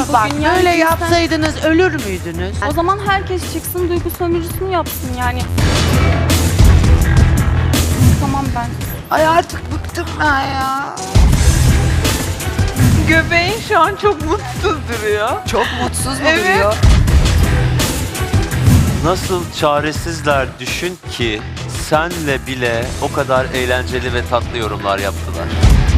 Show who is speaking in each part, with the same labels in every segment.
Speaker 1: bak
Speaker 2: bugün. Yani
Speaker 1: böyle
Speaker 2: cinsten-
Speaker 1: yapsaydınız ölür müydünüz?
Speaker 2: O zaman herkes çıksın duygu sömürüsünü yapsın yani. Tamam ben.
Speaker 1: Ay artık bıktım ben ya.
Speaker 3: Göbeğin şu an çok mutsuz duruyor.
Speaker 1: Çok mutsuz mu
Speaker 3: Evet.
Speaker 1: duruyor?
Speaker 4: Nasıl çaresizler düşün ki senle bile o kadar eğlenceli ve tatlı yorumlar yaptılar.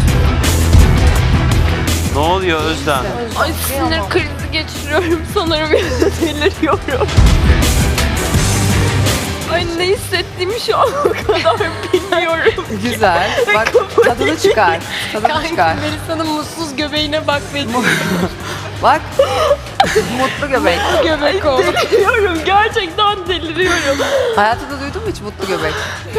Speaker 4: Ne oluyor Özlem?
Speaker 2: Ay sinir krizi geçiriyorum sanırım. Deliriyorum. Ay ne hissettiğimi şu an o kadar bilmiyorum.
Speaker 1: Güzel. Bak tadını çıkar. Tadını çıkar.
Speaker 2: Melisa'nın mutsuz göbeğine bak benim.
Speaker 1: Bak. Mutlu göbek.
Speaker 2: Göbek oldu. Deliriyorum. Gerçekten deliriyorum.
Speaker 1: Hayatında duydun mu hiç mutlu göbek?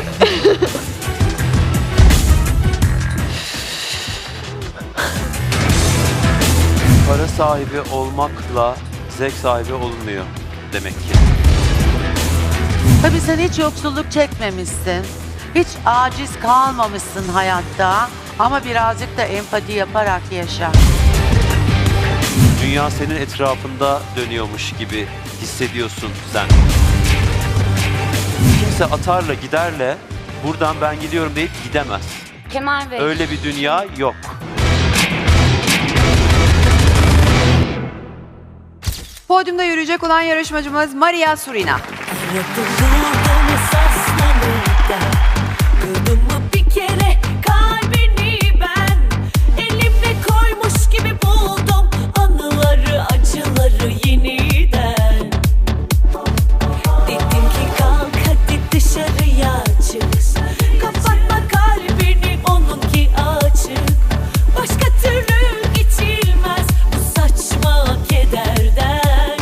Speaker 4: Para sahibi olmakla zevk sahibi olunmuyor demek ki.
Speaker 1: Tabii sen hiç yoksulluk çekmemişsin. Hiç aciz kalmamışsın hayatta. Ama birazcık da empati yaparak yaşa.
Speaker 4: Dünya senin etrafında dönüyormuş gibi hissediyorsun sen. Kimse atarla giderle buradan ben gidiyorum deyip gidemez.
Speaker 2: Kemal Bey.
Speaker 4: Öyle bir dünya yok.
Speaker 1: Podyumda yürüyecek olan yarışmacımız Maria Surina.
Speaker 5: Kırdım mı bir kere kalbini ben, elimle koymuş gibi buldum anıları, acıları yeniden. Dedim ki kalk hadi dışarıya çık, kapatma kalbini onunki açık. Başka türlü geçilmez bu saçma kederden.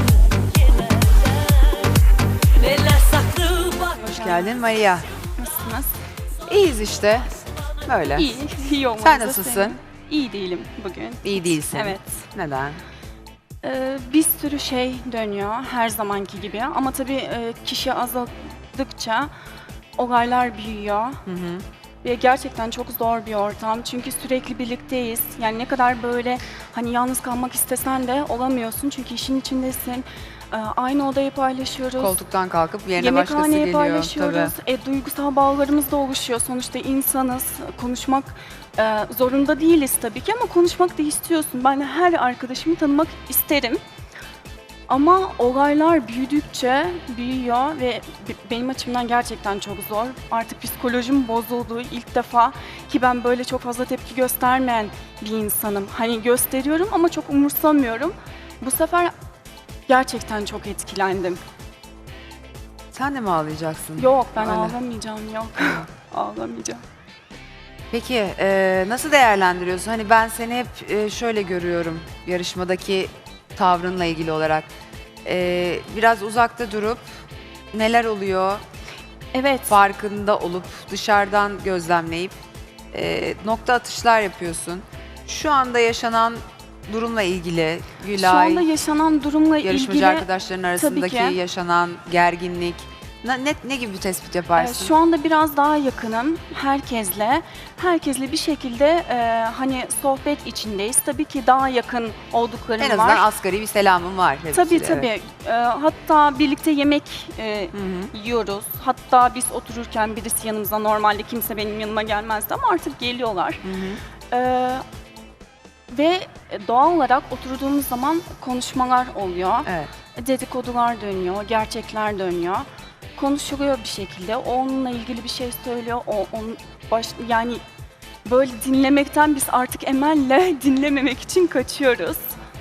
Speaker 5: Neler saklı bak.
Speaker 1: Hoş geldin Maria.
Speaker 2: Nasılsınız?
Speaker 1: İyiyiz işte. Böyle.
Speaker 2: İyi. İyi olmanızı
Speaker 1: Sen nasılsın?
Speaker 2: sevindim. İyi değilim bugün.
Speaker 1: İyi değilsin.
Speaker 2: Evet.
Speaker 1: Neden?
Speaker 2: Bir sürü şey dönüyor her zamanki gibi ama tabii kişi azaldıkça olaylar büyüyor. Ve gerçekten çok zor bir ortam çünkü sürekli birlikteyiz. Yani ne kadar böyle hani yalnız kalmak istesen de olamıyorsun çünkü işin içindesin. Aynı odayı paylaşıyoruz.
Speaker 1: Koltuktan kalkıp yerine başkası
Speaker 2: Yemekhaneyi
Speaker 1: geliyor.
Speaker 2: paylaşıyoruz. Duygusal bağlarımız da oluşuyor. Sonuçta insanız. Konuşmak zorunda değiliz tabii ki ama konuşmak da istiyorsun. Ben de her arkadaşımı tanımak isterim. Ama olaylar büyüdükçe büyüyor ve benim açımdan gerçekten çok zor. Artık psikolojim bozuldu ilk defa ki ben böyle çok fazla tepki göstermeyen bir insanım. Hani gösteriyorum ama çok umursamıyorum. Bu sefer gerçekten çok etkilendim.
Speaker 1: Sen de mi ağlayacaksın?
Speaker 2: Yok ben
Speaker 1: Öyle.
Speaker 2: ağlamayacağım yok. Ağlamayacağım.
Speaker 1: Peki nasıl değerlendiriyorsun? Hani ben seni hep şöyle görüyorum yarışmadaki tavrınla ilgili olarak. Biraz uzakta durup neler oluyor
Speaker 2: Evet.
Speaker 1: farkında olup dışarıdan gözlemleyip nokta atışlar yapıyorsun. Şu anda yaşanan durumla ilgili
Speaker 2: Şu
Speaker 1: Gülay,
Speaker 2: anda yaşanan durumla
Speaker 1: yarışmacı
Speaker 2: ilgili
Speaker 1: arkadaşların arasındaki
Speaker 2: ki.
Speaker 1: yaşanan gerginlik ne gibi bir tespit yaparsın?
Speaker 2: şu anda biraz daha yakınım herkesle bir şekilde hani sohbet içindeyiz. Tabii ki daha yakın olduklarım
Speaker 1: En azından
Speaker 2: var.
Speaker 1: asgari bir selamım var.
Speaker 2: Tabii
Speaker 1: hepsiyle,
Speaker 2: tabii.
Speaker 1: evet.
Speaker 2: Hatta birlikte yemek
Speaker 1: Hı hı.
Speaker 2: yiyoruz. Hatta biz otururken birisi yanımıza normalde kimse benim yanıma gelmezdi ama artık geliyorlar.
Speaker 1: Hı hı.
Speaker 2: Ve doğal olarak oturduğumuz zaman konuşmalar oluyor.
Speaker 1: Evet.
Speaker 2: Dedikodular dönüyor, gerçekler dönüyor. Konuşuluyor bir şekilde. O onunla ilgili bir şey söylüyor. Yani böyle dinlemekten biz artık Emel'le dinlememek için kaçıyoruz.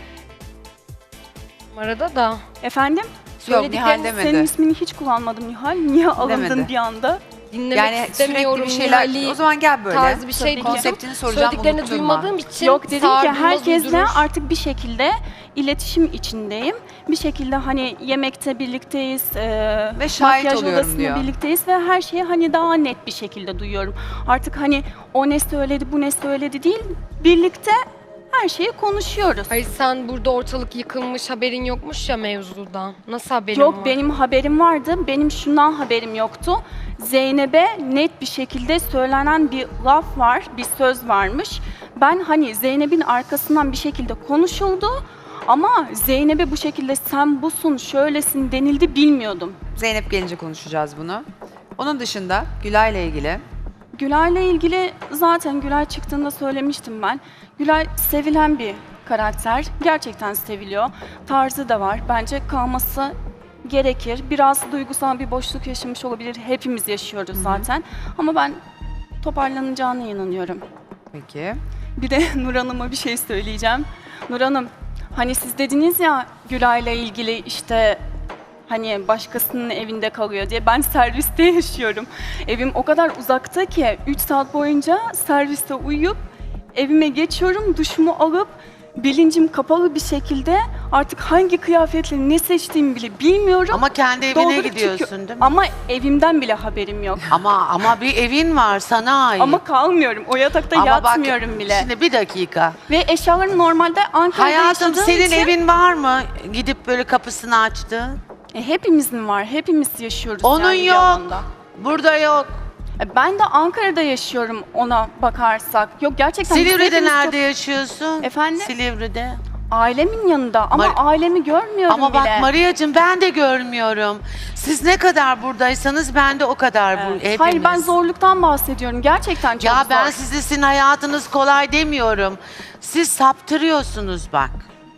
Speaker 6: Arada da.
Speaker 2: Efendim?
Speaker 1: Yok Nihal demedi.
Speaker 2: Senin ismini hiç kullanmadım Nihal. Niye alındın
Speaker 1: Demedi.
Speaker 2: bir anda?
Speaker 6: Dinlemek
Speaker 1: Yani sürekli
Speaker 6: istemiyorum.
Speaker 1: bir şeyler.
Speaker 6: Nihal'i
Speaker 1: O zaman gel böyle.
Speaker 6: tarzı bir şey
Speaker 2: Tabii ki.
Speaker 6: duydum.
Speaker 1: Konseptini soracağım,
Speaker 6: Söylediklerini
Speaker 1: unutturma.
Speaker 6: duymadığım için
Speaker 2: Yok dedim ki
Speaker 6: sardırmaz,
Speaker 2: herkesle
Speaker 6: uydurur.
Speaker 2: artık bir şekilde iletişim içindeyim. Bir şekilde hani yemekte birlikteyiz,
Speaker 1: Ve şahit
Speaker 2: makyaj
Speaker 1: oluyorum
Speaker 2: odasında
Speaker 1: diyor.
Speaker 2: birlikteyiz ve her şeyi hani daha net bir şekilde duyuyorum. Artık hani o ne söyledi, bu ne söyledi değil, birlikte her şeyi konuşuyoruz.
Speaker 6: Hayır sen burada ortalık yıkılmış haberin yokmuş ya mevzudan. Nasıl haberin
Speaker 2: Yok
Speaker 6: var?
Speaker 2: benim haberim vardı, benim şundan haberim yoktu. Zeynep'e net bir şekilde söylenen bir laf var, bir söz varmış. Ben hani Zeynep'in arkasından bir şekilde konuşuldu Ama Zeynep'e bu şekilde sen busun, şöylesin denildi bilmiyordum.
Speaker 1: Zeynep gelince konuşacağız bunu. Onun dışında Gülay'la ilgili.
Speaker 2: Gülay'la ilgili zaten Gülay çıktığında söylemiştim ben. Gülay sevilen bir karakter. Gerçekten seviliyor. Tarzı da var. Bence kalması gerekir. Biraz duygusal bir boşluk yaşamış olabilir. Hepimiz yaşıyoruz zaten. Ama ben toparlanacağına inanıyorum.
Speaker 1: Peki.
Speaker 2: Bir de Nur Hanım'a bir şey söyleyeceğim. Nur Hanım, hani siz dediniz ya Gülay'la ilgili işte hani başkasının evinde kalıyor diye. Ben serviste yaşıyorum. Evim o kadar uzakta ki 3 saat boyunca serviste uyuyup evime geçiyorum, duşumu alıp bilincim kapalı bir şekilde artık hangi kıyafetle ne seçtiğimi bile bilmiyorum.
Speaker 7: Ama kendi evine
Speaker 2: Doldurup
Speaker 7: gidiyorsun
Speaker 2: çıkıyorum.
Speaker 7: değil mi?
Speaker 2: Ama evimden bile haberim yok.
Speaker 7: Ama bir evin var sana ait.
Speaker 2: Ama kalmıyorum. O yatakta
Speaker 7: Ama
Speaker 2: yatmıyorum
Speaker 7: bak,
Speaker 2: bile.
Speaker 7: Şimdi bir dakika.
Speaker 2: Ve eşyalarım normalde Ankara'da
Speaker 7: Hayatım
Speaker 2: yaşadığım
Speaker 7: senin
Speaker 2: için,
Speaker 7: evin var mı? Gidip böyle kapısını açtın.
Speaker 2: Hepimizin var. Hepimiz yaşıyoruz
Speaker 7: Onun
Speaker 2: yani bir
Speaker 7: yok.
Speaker 2: alanda.
Speaker 7: Burada yok.
Speaker 2: Ben de Ankara'da yaşıyorum ona bakarsak. Yok gerçekten biz
Speaker 7: Silivri'de
Speaker 2: hepimiz
Speaker 7: nerede
Speaker 2: çok-
Speaker 7: yaşıyorsun?
Speaker 2: Efendim?
Speaker 7: Silivri'de.
Speaker 2: Ailemin yanında ama ailemi görmüyorum
Speaker 7: Ama
Speaker 2: bile.
Speaker 7: bak Maria'cığım ben de görmüyorum. Siz ne kadar buradaysanız ben de o kadar hepimiz.
Speaker 2: Hayır ben zorluktan bahsediyorum. Gerçekten çok
Speaker 7: Ya
Speaker 2: zor.
Speaker 7: ben size sizin hayatınız kolay demiyorum. Siz saptırıyorsunuz bak.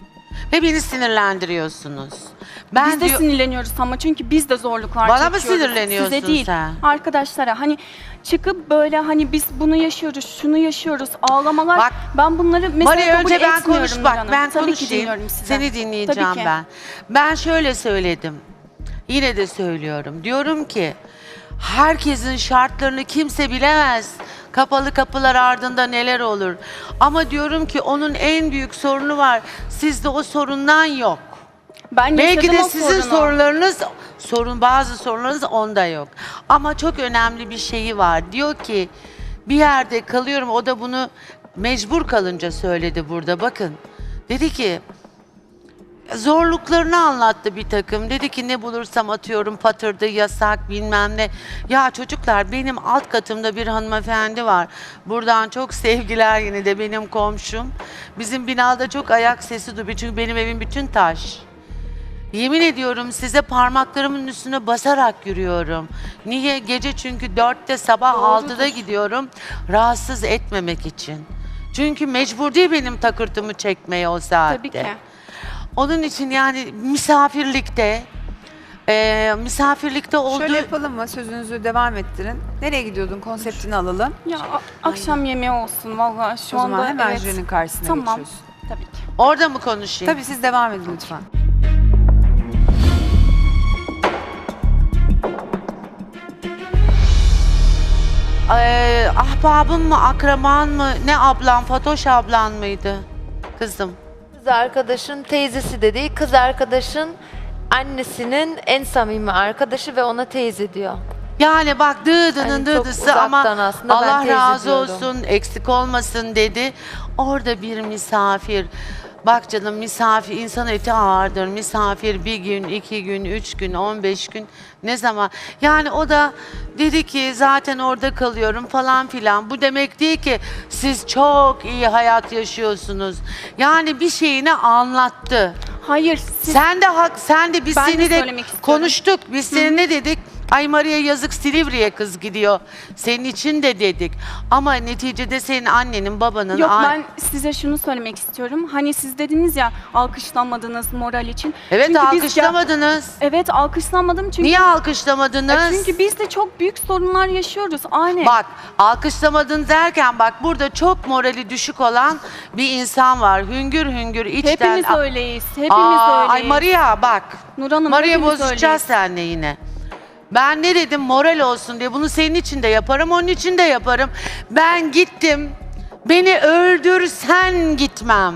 Speaker 7: Ve beni sinirlendiriyorsunuz. Ben
Speaker 2: Biz de sinirleniyoruz ama çünkü biz de zorluklar
Speaker 7: Bana mı
Speaker 2: çekiyoruz.
Speaker 7: sinirleniyorsun
Speaker 2: Size değil,
Speaker 7: sen?
Speaker 2: arkadaşlara. Hani çıkıp böyle hani biz bunu yaşıyoruz, şunu yaşıyoruz, ağlamalar.
Speaker 7: Bak,
Speaker 2: ben bunları mesela
Speaker 7: Maria
Speaker 2: kabul
Speaker 7: önce ben
Speaker 2: etmiyorum
Speaker 7: konuş bak
Speaker 2: Nurhan'ım.
Speaker 7: ben
Speaker 2: Tabii ki
Speaker 7: konuşayım.
Speaker 2: dinliyorum sizi.
Speaker 7: Seni dinleyeceğim
Speaker 2: Tabii ki.
Speaker 7: ben. Ben şöyle söyledim. Yine de söylüyorum. Diyorum ki herkesin şartlarını kimse bilemez. Kapalı kapılar ardında neler olur. Ama diyorum ki onun en büyük sorunu var. Sizde o sorundan yok.
Speaker 2: Ben
Speaker 7: Belki
Speaker 2: yaşadım
Speaker 7: de
Speaker 2: o
Speaker 7: sizin
Speaker 2: sorunu.
Speaker 7: bazı sorunlarınız onda yok. Ama çok önemli bir şeyi var. Diyor ki bir yerde kalıyorum. O da bunu mecbur kalınca söyledi burada. Bakın. Dedi ki zorluklarını anlattı bir takım. Dedi ki ne bulursam atıyorum patırdı, yasak bilmem ne. Ya çocuklar benim alt katımda bir hanımefendi var. Buradan çok sevgiler yine de benim komşum. Bizim binada çok ayak sesi duyuyor. Çünkü benim evim bütün taş. Yemin ediyorum size parmaklarımın üstüne basarak yürüyorum. Niye? Gece çünkü 4'te sabah 6'da gidiyorum. Rahatsız etmemek için. Çünkü mecbur değil benim takırtımı çekmeye o saatte.
Speaker 2: Tabii ki.
Speaker 7: Onun için yani misafirlikte olduğu...
Speaker 1: Şöyle yapalım mı? Sözünüzü devam ettirin. Nereye gidiyordun? Konseptini alalım.
Speaker 2: Ya akşam yemeği olsun vallahi şu
Speaker 1: O
Speaker 2: anda.
Speaker 1: zaman hemen
Speaker 2: evet.
Speaker 1: jürinin karşısına
Speaker 2: Tamam.
Speaker 1: geçiyorsun.
Speaker 2: Tabii ki.
Speaker 7: Orada mı konuşayım?
Speaker 1: Tabii siz devam edin lütfen.
Speaker 7: Ahbabın mı, akraban mı, ne ablan, Fatoş ablan mıydı? Kızım.
Speaker 8: Kız arkadaşın teyzesi de değil, kız arkadaşın annesinin en samimi arkadaşı ve ona teyze diyor.
Speaker 7: Yani bak dıdının
Speaker 8: Hani çok
Speaker 7: dıdısı ama
Speaker 8: uzaktan aslında ben
Speaker 7: Allah
Speaker 8: teyze
Speaker 7: razı
Speaker 8: diyordum.
Speaker 7: olsun, eksik olmasın dedi. Orada bir misafir. Bak canım misafir, insan eti ağırdır. Misafir bir gün, 2 gün, 3 gün, 15 gün ne zaman? Yani o da dedi ki zaten orada kalıyorum falan filan. Bu demek değil ki siz çok iyi hayat yaşıyorsunuz. Yani bir şeyini anlattı.
Speaker 2: Hayır siz
Speaker 7: Sen de biz
Speaker 2: Ben de
Speaker 7: seni de
Speaker 2: söylemek istiyorum.
Speaker 7: konuştuk. Biz seni ne dedik? Ay Maria yazık Silivri'ye kız gidiyor. Senin için de dedik. Ama neticede senin annenin, babanın...
Speaker 2: Yok ben size şunu söylemek istiyorum. Hani siz dediniz ya alkışlanmadınız moral için.
Speaker 7: Evet
Speaker 2: Çünkü biz
Speaker 7: alkışlamadınız.
Speaker 2: Evet alkışlanmadım çünkü.
Speaker 7: Niye alkışlamadınız?
Speaker 2: Çünkü biz de çok büyük sorunlar yaşıyoruz. Aynen.
Speaker 7: Bak alkışlamadın derken bak burada çok morali düşük olan bir insan var. Hüngür hüngür içten...
Speaker 2: Hepimiz öyleyiz. Hepimiz öyleyiz.
Speaker 7: Ay Maria bak.
Speaker 2: Nur Hanım,
Speaker 7: Maria
Speaker 2: hepimiz
Speaker 7: bozacağız
Speaker 2: öyleyiz.
Speaker 7: seninle yine. Ben ne dedim moral olsun diye bunu senin için de yaparım onun için de yaparım. Ben gittim beni öldürsen gitmem.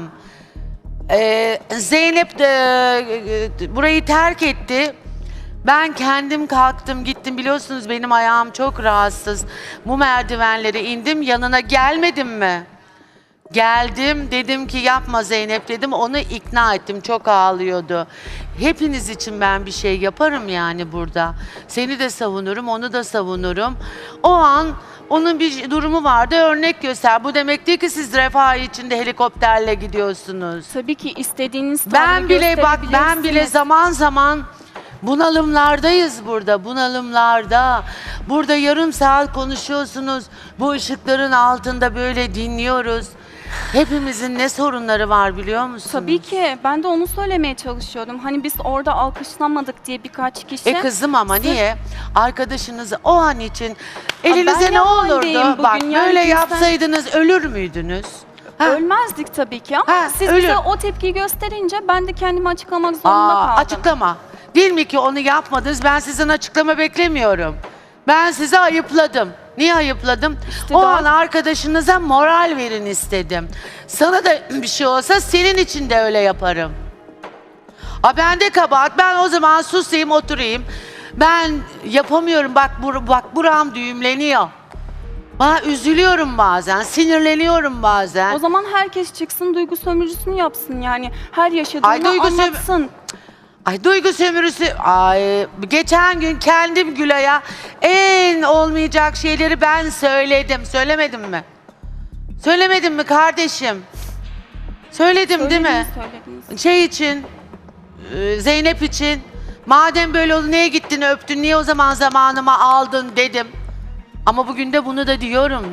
Speaker 7: Zeynep de burayı terk etti. Ben kendim kalktım gittim biliyorsunuz benim ayağım çok rahatsız. Bu merdivenlere indim yanına gelmedim mi? Geldim dedim ki yapma Zeynep dedim, onu ikna ettim, çok ağlıyordu. Hepiniz için ben bir şey yaparım yani burada. Seni de savunurum, onu da savunurum. O an onun bir durumu vardı, örnek göster. Bu demek değil ki siz refah içinde helikopterle gidiyorsunuz.
Speaker 2: Tabii ki istediğiniz tavrı
Speaker 7: Ben bile
Speaker 2: gösterebilirsiniz.
Speaker 7: zaman zaman bunalımlardayız burada, bunalımlarda. Burada yarım saat konuşuyorsunuz, bu ışıkların altında böyle dinliyoruz. Hepimizin ne sorunları var biliyor musunuz?
Speaker 2: Tabii ki. Ben de onu söylemeye çalışıyorum. Hani biz orada alkışlanmadık diye birkaç kişi...
Speaker 7: Kızım ama
Speaker 2: Sırf-
Speaker 7: niye? Arkadaşınızı o an için elinize
Speaker 2: ben
Speaker 7: ne
Speaker 2: ne haldeyim
Speaker 7: olurdu?
Speaker 2: bugün?
Speaker 7: Bak
Speaker 2: Yani
Speaker 7: böyle
Speaker 2: kimse-
Speaker 7: yapsaydınız ölür müydünüz? Ha?
Speaker 2: Ölmezdik tabii ki ama
Speaker 7: Ha,
Speaker 2: siz
Speaker 7: ölür.
Speaker 2: bize o tepkiyi gösterince ben de kendimi açıklamak zorunda kaldım.
Speaker 7: Açıklama. Değil mi ki onu yapmadınız? Ben sizin açıklama beklemiyorum. Ben sizi ayıpladım. Niye ayıpladım?
Speaker 2: İşte
Speaker 7: o
Speaker 2: daha-
Speaker 7: an arkadaşınıza moral verin istedim. Sana da bir şey olsa senin için de öyle yaparım. Bende kabahat. Ben o zaman susayım, oturayım. Ben yapamıyorum. Bak buram düğümleniyor. Üzülüyorum bazen, sinirleniyorum bazen.
Speaker 2: O zaman herkes çıksın duygu sömürüsünü yapsın yani. Her yaşadığını
Speaker 7: Ay, duygu sömür-
Speaker 2: anlatsın.
Speaker 7: Ay duygu sömürüsü. Ay geçen gün kendim Gülay'a en olmayacak şeyleri ben söyledim. Söylemedim mi? Söylemedim mi kardeşim? Söyledim değil mi?
Speaker 2: Söylediniz.
Speaker 7: Şey için, Zeynep için. Madem böyle oldu niye gittin öptün, niye o zaman zamanımı aldın dedim. Ama bugün de bunu da diyorum.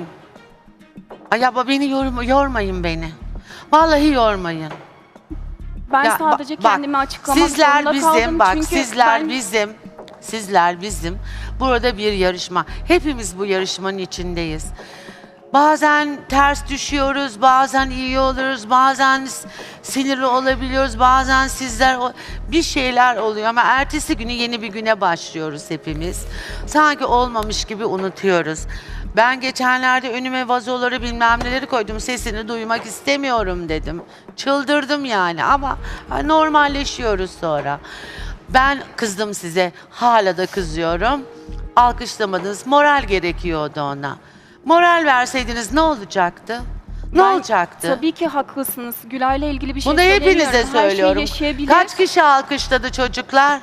Speaker 7: Ay abla beni yormayın beni. Vallahi yormayın.
Speaker 2: Ben
Speaker 7: Ya,
Speaker 2: sadece
Speaker 7: bak,
Speaker 2: kendimi açıklamak
Speaker 7: sizler
Speaker 2: zorunda
Speaker 7: bizim,
Speaker 2: kaldım.
Speaker 7: bak
Speaker 2: çünkü
Speaker 7: sizler bizim. Burada bir yarışma. Hepimiz bu yarışmanın içindeyiz. Bazen ters düşüyoruz, bazen iyi oluruz, bazen sinirli olabiliyoruz, bazen bir şeyler oluyor ama ertesi günü yeni bir güne başlıyoruz hepimiz. Sanki olmamış gibi unutuyoruz. Ben geçenlerde önüme vazoları bilmem neleri koydum, sesini duymak istemiyorum dedim. Çıldırdım yani ama normalleşiyoruz sonra. Ben kızdım size, hala da kızıyorum. Alkışlamadınız, moral gerekiyordu ona. Moral verseydiniz ne olacaktı? Ne
Speaker 2: Ben-
Speaker 7: olacaktı?
Speaker 2: Tabii ki haklısınız. Gülay'la ilgili bir şey
Speaker 7: Bunu hepinize
Speaker 2: söylemiyorum.
Speaker 7: söylüyorum.
Speaker 2: Her şeyi yaşayabilir.
Speaker 7: Kaç kişi alkışladı çocuklar?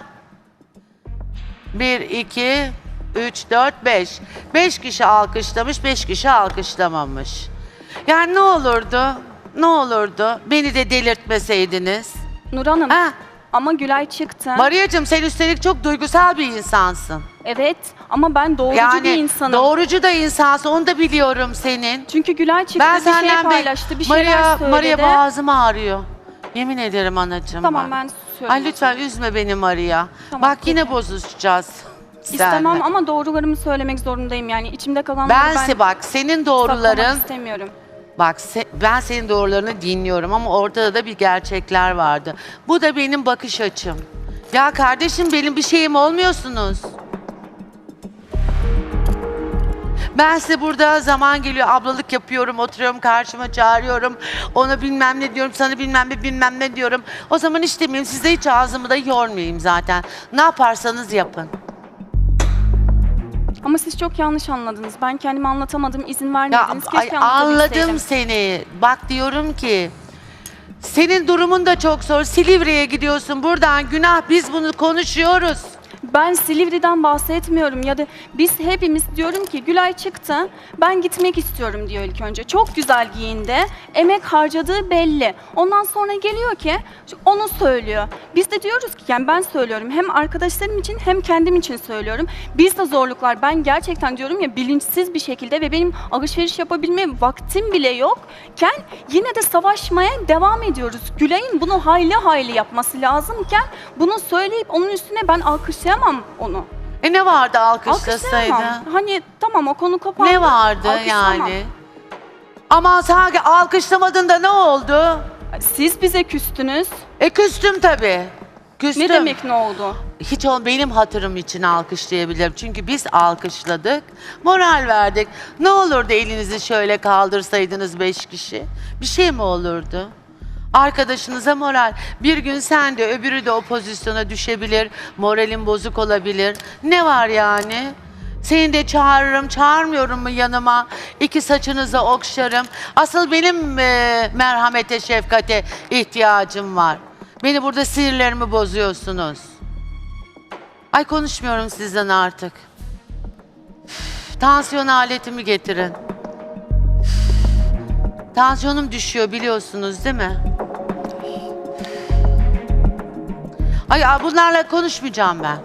Speaker 7: 1, 2, 3, 4, 5. 5 kişi alkışlamış, 5 kişi alkışlamamış. Yani ne olurdu? Ne olurdu? Beni de delirtmeseydiniz.
Speaker 2: Nur Hanım
Speaker 7: Ha?
Speaker 2: ama Gülay çıktı.
Speaker 7: Maria'cığım sen üstelik çok duygusal bir insansın.
Speaker 2: Evet ama ben doğrucu
Speaker 7: Yani
Speaker 2: bir insanım.
Speaker 7: doğrucu da insansın, onu da biliyorum senin.
Speaker 2: Çünkü Gülay çıktı
Speaker 7: Ben
Speaker 2: bir şey
Speaker 7: senden
Speaker 2: paylaştı, bir şeyler söyledi.
Speaker 7: Maria boğazım ağrıyor. Yemin ederim anacığım
Speaker 2: Tamam
Speaker 7: bak.
Speaker 2: ben susuyorum.
Speaker 7: Ay lütfen üzme beni Maria.
Speaker 2: Tamam,
Speaker 7: Bak yine
Speaker 2: peki.
Speaker 7: bozuşacağız.
Speaker 2: İstemem
Speaker 7: seninle.
Speaker 2: ama doğrularımı söylemek zorundayım yani. İçimde kalanları ben
Speaker 7: Bak senin
Speaker 2: saklamak
Speaker 7: doğruların,
Speaker 2: istemiyorum.
Speaker 7: bak ben senin doğrularını dinliyorum ama ortada da bir gerçekler vardı. Bu da benim bakış açım. Ya kardeşim benim bir şeyim olmuyorsunuz. Ben size burada zaman geliyor, ablalık yapıyorum, oturuyorum karşıma çağırıyorum. Ona bilmem ne diyorum, sana bilmem ne diyorum. O zaman hiç demeyeyim, size hiç ağzımı da yormayayım zaten. Ne yaparsanız yapın.
Speaker 2: Ama siz çok yanlış anladınız. Ben kendimi anlatamadım, izin vermediniz.
Speaker 7: Ya,
Speaker 2: Keşke
Speaker 7: anladım
Speaker 2: anlatabilseydim.
Speaker 7: seni. Bak diyorum ki, senin durumun da çok zor. Silivri'ye gidiyorsun, buradan günah, biz bunu konuşuyoruz.
Speaker 2: Ben Silivri'den bahsetmiyorum ya da biz hepimiz diyorum ki Gülay çıktı, ben gitmek istiyorum diyor ilk önce. Çok güzel giyindi, emek harcadığı belli. Ondan sonra geliyor ki onu söylüyor. Biz de diyoruz ki yani ben söylüyorum hem arkadaşlarım için hem kendim için söylüyorum. Biz de zorluklar, ben gerçekten diyorum ya bilinçsiz bir şekilde ve benim alışveriş yapabilme vaktim bile yokken yine de savaşmaya devam ediyoruz. Gülay'ın bunu hayli hayli yapması lazımken bunu söyleyip onun üstüne ben alkışlayamam onu.
Speaker 7: Ne vardı alkışlasaydı?
Speaker 2: Alkışlayamam. Hani tamam o konu kapandı.
Speaker 7: Ne vardı
Speaker 2: Alkışlamam.
Speaker 7: yani? Aman sanki alkışlamadın da ne oldu?
Speaker 2: Siz bize küstünüz.
Speaker 7: Küstüm tabii. Küstüm.
Speaker 2: Ne demek ne oldu?
Speaker 7: Hiç benim hatırım için alkışlayabilirim. Çünkü biz alkışladık, moral verdik. Ne olurdu elinizi şöyle kaldırsaydınız 5 kişi? Bir şey mi olurdu? Arkadaşınıza moral. Bir gün sen de öbürü de o pozisyona düşebilir. Moralin bozuk olabilir. Ne var yani? Seni de çağırırım, çağırmıyorum mu yanıma? İki saçınızı okşarım. Asıl benim merhamete, şefkate ihtiyacım var. Beni burada sinirlerimi bozuyorsunuz. Ay konuşmuyorum sizden artık. Üf, tansiyon aletimi getirin. Üf, tansiyonum düşüyor biliyorsunuz değil mi? Ay bunlarla konuşmayacağım ben.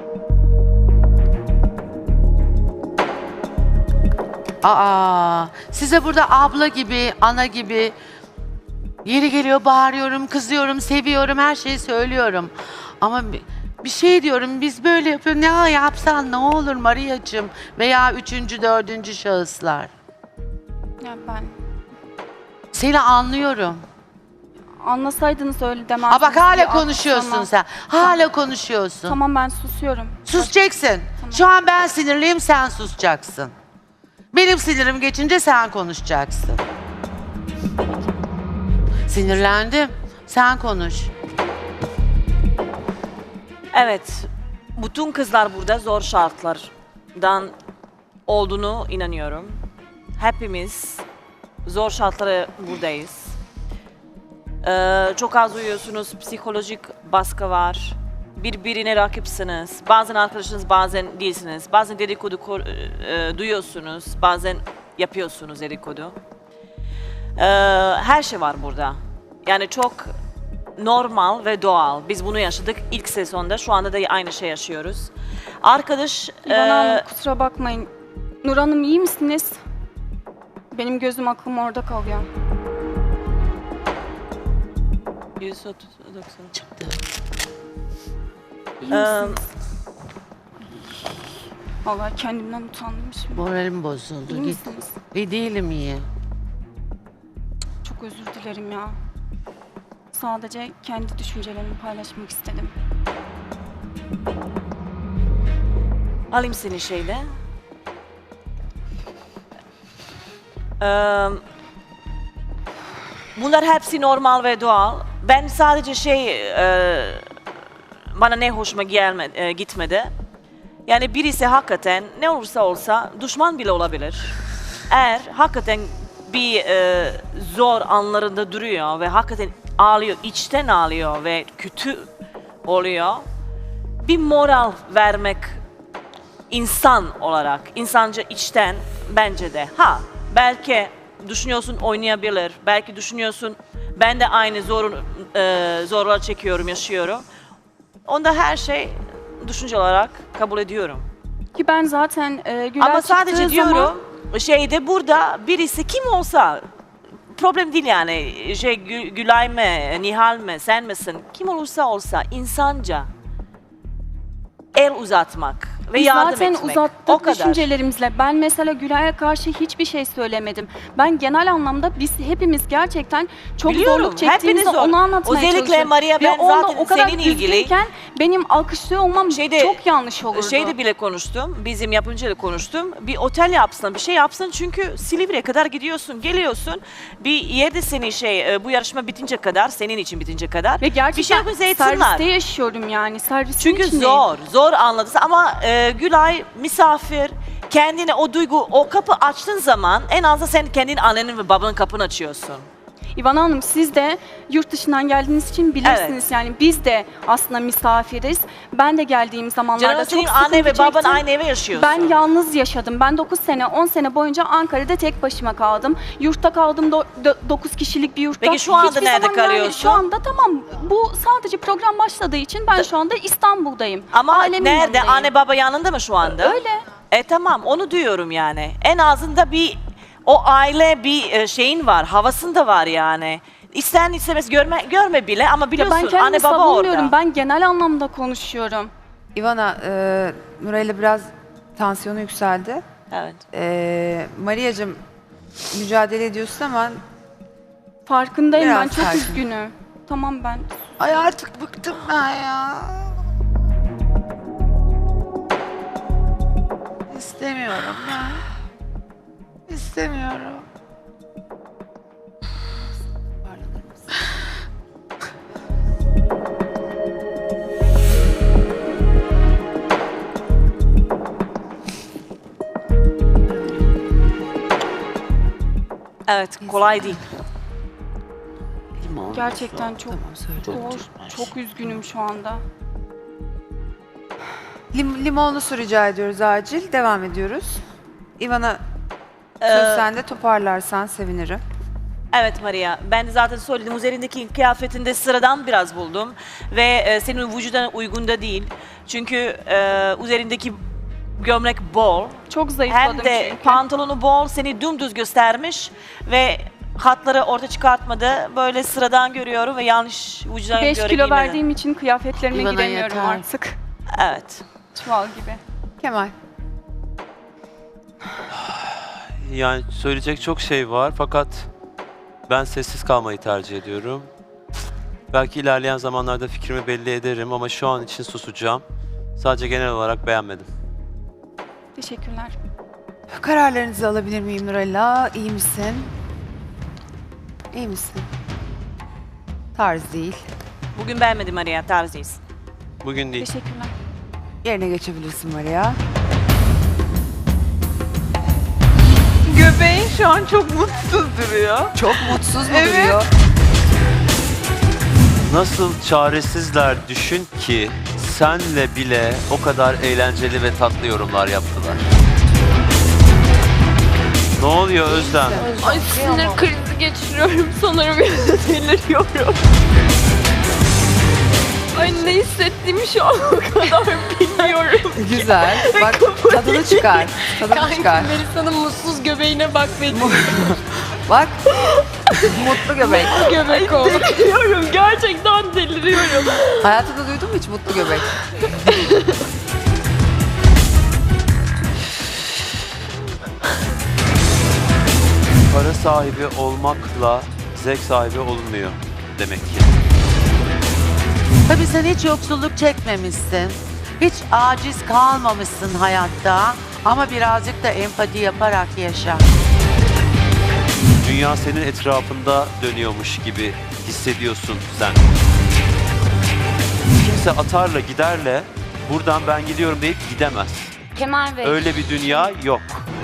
Speaker 7: Size burada abla gibi, ana gibi yeri geliyor bağırıyorum, kızıyorum, seviyorum, her şeyi söylüyorum. Ama bir şey diyorum, biz böyle yapıyoruz, ne yapsan ne olur Maria'cığım veya üçüncü, dördüncü şahıslar.
Speaker 2: Ya ben
Speaker 7: Seni anlıyorum.
Speaker 2: anlasaydınız öyle demezdiniz.
Speaker 7: Bak hala
Speaker 2: Ya,
Speaker 7: konuşuyorsun
Speaker 2: tamam.
Speaker 7: sen. Hala konuşuyorsun.
Speaker 2: Tamam ben susuyorum.
Speaker 7: Susacaksın. Şu an ben sinirliyim, sen susacaksın. Benim sinirim geçince sen konuşacaksın. Sinirlendim. Sen konuş.
Speaker 9: Evet, bütün kızlar burada zor şartlardan olduğunu inanıyorum. Hepimiz zor şartlara buradayız. Çok az uyuyorsunuz, psikolojik baskı var. Birbirine rakipsiniz. Bazen arkadaşınız, bazen değilsiniz. Bazen dedikodu duyuyorsunuz, bazen yapıyorsunuz dedikodu. Her şey var burada. Yani çok normal ve doğal. Biz bunu yaşadık ilk sezonda. Şu anda da aynı şey yaşıyoruz. Arkadaş...
Speaker 2: İvan Hanım kusura bakmayın. Nur Hanım iyi misiniz? Benim gözüm aklım orada kalıyor.
Speaker 9: 130, 90.
Speaker 7: Çıktı.
Speaker 2: İyi misiniz? Vallahi kendimden utandım şimdi.
Speaker 7: Moralim bozuldu.
Speaker 2: İyi
Speaker 7: Git.
Speaker 2: misiniz?
Speaker 7: İyi değilim iyi.
Speaker 2: Çok özür dilerim ya. Sadece kendi düşüncelerimi paylaşmak istedim.
Speaker 9: Alayım seni şeyle. Bunlar hepsi normal ve doğal. Ben sadece bana ne hoşuma gitmedi. Yani birisi hakikaten ne olursa olsa düşman bile olabilir. Eğer hakikaten bir zor anlarında duruyor ve hakikaten ağlıyor, içten ağlıyor ve kötü oluyor. Bir moral vermek insan olarak, insanca içten bence de. Belki düşünüyorsun oynayabilir, belki düşünüyorsun ben de aynı zorlar çekiyorum, yaşıyorum. Onda her şey düşünce olarak kabul ediyorum.
Speaker 2: Ki ben zaten Güler
Speaker 9: Ama sadece
Speaker 2: çıktığı
Speaker 9: diyorum
Speaker 2: zaman...
Speaker 9: burada birisi kim olsa problem değil yani. Gülay mı, Nihal mi, sen misin? Kim olursa insanca el uzatmak ve
Speaker 2: Biz
Speaker 9: yardım
Speaker 2: zaten
Speaker 9: etmek.
Speaker 2: uzattık
Speaker 9: O kadar.
Speaker 2: düşüncelerimizle. Ben mesela Gülay'a karşı hiçbir şey söylemedim. Ben genel anlamda biz hepimiz gerçekten çok
Speaker 9: Biliyorum,
Speaker 2: zorluk çektiğimizde
Speaker 9: hepiniz zor.
Speaker 2: onu anlatmaya
Speaker 9: Özellikle
Speaker 2: çalışıyorum.
Speaker 9: Maria,
Speaker 2: Ve
Speaker 9: ben
Speaker 2: onda
Speaker 9: zaten
Speaker 2: o kadar
Speaker 9: senin ilgili-
Speaker 2: üzgünken benim alkışlıyor olmam çok yanlış olurdu.
Speaker 9: Şeyde bile konuştum, bizim yapımcıyla konuştum. Bir otel yapsın, bir şey yapsın çünkü Silivri'ye kadar gidiyorsun, geliyorsun. Bir yerde seni bu yarışma bitince kadar, senin için bitince kadar.
Speaker 2: Ve gerçekten
Speaker 9: bir şey yapsınlar.
Speaker 2: serviste yaşıyorum yani. Servisin
Speaker 9: Çünkü
Speaker 2: içindeyim.
Speaker 9: zor anladın ama Gülay misafir, kendine o duygu, o kapı açtığın zaman en azından sen kendin annenin ve babanın kapını açıyorsun.
Speaker 2: İvan Hanım siz de yurt dışından geldiğiniz için bilirsiniz
Speaker 9: Evet.
Speaker 2: yani biz de aslında misafiriz. Ben de geldiğim zamanlarda
Speaker 9: Canım
Speaker 2: çok
Speaker 9: senin
Speaker 2: sıkıntı
Speaker 9: anne ve baban
Speaker 2: çektim.
Speaker 9: aynı eve yaşıyorsun.
Speaker 2: Ben yalnız yaşadım. Ben 9 sene, 10 sene boyunca Ankara'da tek başıma kaldım. Yurtta kaldım 9 kişilik bir yurtta.
Speaker 9: Peki şu anda
Speaker 2: Hiçbir
Speaker 9: nerede
Speaker 2: zaman yani
Speaker 9: kalıyorsun?
Speaker 2: şu anda tamam. Bu sadece program başladığı için ben şu anda İstanbul'dayım.
Speaker 9: Ama
Speaker 2: Ailemin
Speaker 9: nerede?
Speaker 2: yanındayım.
Speaker 9: Anne baba yanında mı şu anda?
Speaker 2: Öyle.
Speaker 9: Tamam onu diyorum yani. En azında o aile bir şeyin var, havasında var yani. İsten istemez görme bile ama
Speaker 2: Ya
Speaker 9: biliyorsun
Speaker 2: ben kendimi
Speaker 9: anne baba
Speaker 2: savunmuyorum.
Speaker 9: orada.
Speaker 2: Ben genel anlamda konuşuyorum.
Speaker 1: İvana, Nuray'la biraz tansiyonu yükseldi.
Speaker 9: Evet.
Speaker 1: Maria'cığım mücadele ediyorsun ama
Speaker 2: Farkındayım
Speaker 1: Biraz
Speaker 2: ben çok
Speaker 1: sakin.
Speaker 2: üzgünüm. Tamam ben.
Speaker 1: ay artık bıktım ben ya. İstemiyorum ben. İstemiyorum.
Speaker 9: Evet, kolay değil.
Speaker 2: Gerçekten çok
Speaker 1: Tamam söyle.
Speaker 2: çok üzgünüm şu anda.
Speaker 1: Limonlu su rica ediyoruz acil. Devam ediyoruz. İvan'a
Speaker 9: Ee,
Speaker 1: söz sende, toparlarsan sevinirim.
Speaker 9: Evet Maria, ben de zaten söyledim. Üzerindeki kıyafetinde sıradan biraz buldum. Ve senin vücuduna uygun da değil. Çünkü üzerindeki gömlek bol.
Speaker 2: Çok zayıfladım
Speaker 9: Hem de
Speaker 2: çünkü.
Speaker 9: pantolonu bol, seni dümdüz göstermiş. Ve hatları orta çıkartmadı. Böyle sıradan görüyorum ve yanlış vücuduna
Speaker 2: 5
Speaker 9: göre
Speaker 2: kilo
Speaker 9: giymedi.
Speaker 2: verdiğim için kıyafetlerime
Speaker 7: İvana
Speaker 2: giremiyorum
Speaker 7: yeter.
Speaker 2: artık.
Speaker 9: Evet.
Speaker 2: Çuval gibi.
Speaker 1: Kemal.
Speaker 4: Yani söyleyecek çok şey var fakat ben sessiz kalmayı tercih ediyorum. Belki ilerleyen zamanlarda fikrimi belli ederim ama şu an için susacağım. Sadece genel olarak beğenmedim.
Speaker 2: Teşekkürler.
Speaker 1: Kararlarınızı alabilir miyim Nurella? İyi misin? İyi misin? Tarz değil.
Speaker 9: Bugün beğenmedim Maria, tarzıyız.
Speaker 4: Bugün değil.
Speaker 2: Teşekkürler.
Speaker 1: Yerine geçebilirsin Maria.
Speaker 3: Göbeğin şu an çok mutsuz duruyor.
Speaker 1: Çok mutsuz mu
Speaker 3: Evet.
Speaker 1: duruyor?
Speaker 4: Nasıl çaresizler düşün ki senle bile o kadar eğlenceli ve tatlı yorumlar yaptılar. Ne oluyor Özlem?
Speaker 6: Ay sinir krizi geçiriyorum sanırım. Deliriyorum. Ay ne hissettiğimi şu an o kadar bilmiyorum.
Speaker 1: Güzel. Bak tadını çıkar. Tadını çıkar.
Speaker 6: Melisa'nın mutsuz göbeğine bak benim.
Speaker 1: Bak. Mutlu göbek.
Speaker 6: Göbek oldu. Deliriyorum. Gerçekten deliriyorum.
Speaker 1: Hayatında duydun mu hiç mutlu göbek?
Speaker 4: Para sahibi olmakla zevk sahibi olunmuyor demek ki.
Speaker 7: Tabii sen hiç yoksulluk çekmemişsin. Hiç aciz kalmamışsın hayatta. Ama birazcık da empati yaparak yaşa.
Speaker 4: Dünya senin etrafında dönüyormuş gibi hissediyorsun sen. Kimse atarla giderle buradan ben gidiyorum deyip gidemez.
Speaker 8: Kemal Bey.
Speaker 4: Öyle bir dünya yok.